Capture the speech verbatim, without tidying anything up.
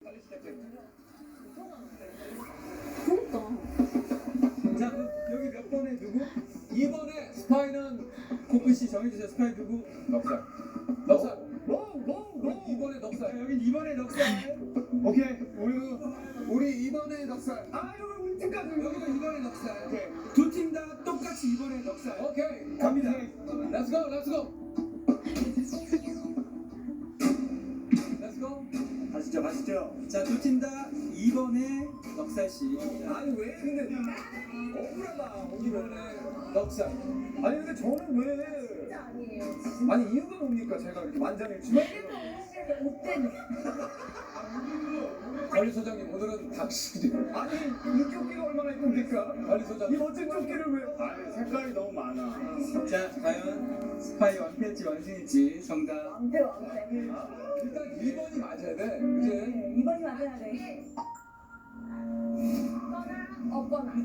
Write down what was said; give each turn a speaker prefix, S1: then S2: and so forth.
S1: 빨리 시작해.
S2: 그러니까.
S3: 자, 그, 여기 몇 번에 누구? 이 번에 스파이는 코크 씨 정해주세요. 스파이 누구?
S1: 넉살. 넉살.
S3: 뭐?
S1: 이 번에 넉살.
S3: 자, 여긴 이 번에 넉살.
S1: 오케이. 우리 우리 이 번에 넉살.
S3: 아, 여기 우리 팀까지. 여기도 이 번에 넉살.
S1: 오케이.
S3: 두 팀 다 똑같이 이 번에 넉살.
S1: 오케이.
S3: 갑니다.
S1: Let's go. Let's go. Let's go.
S3: 가시죠, 가시죠. 자, 두 팀 다 이 번에 넉살 씨.
S1: 아니 왜 근데 억울하다. 이 번에 넉살. 아니 근데 저는 왜?
S2: 진짜 아니에요.
S1: 아니 이유가 뭡니까? 제가 이렇게 만장일치.
S2: 못된.
S1: 관리 소장님 오늘은 당신이
S3: 아니, 이 조끼가 얼마나 이쁩니까?
S1: 관리 소장.
S3: 이 멋진 조끼를 왜?
S1: 아니 색깔이 너무 많아.
S3: 자, 과연 스파이 완패일지 완승일지 정답.
S2: 왕패 왕패.
S1: 일단 이 번이 맞아야 돼. 그지?
S2: 이번이 맞아야 돼. 없거나.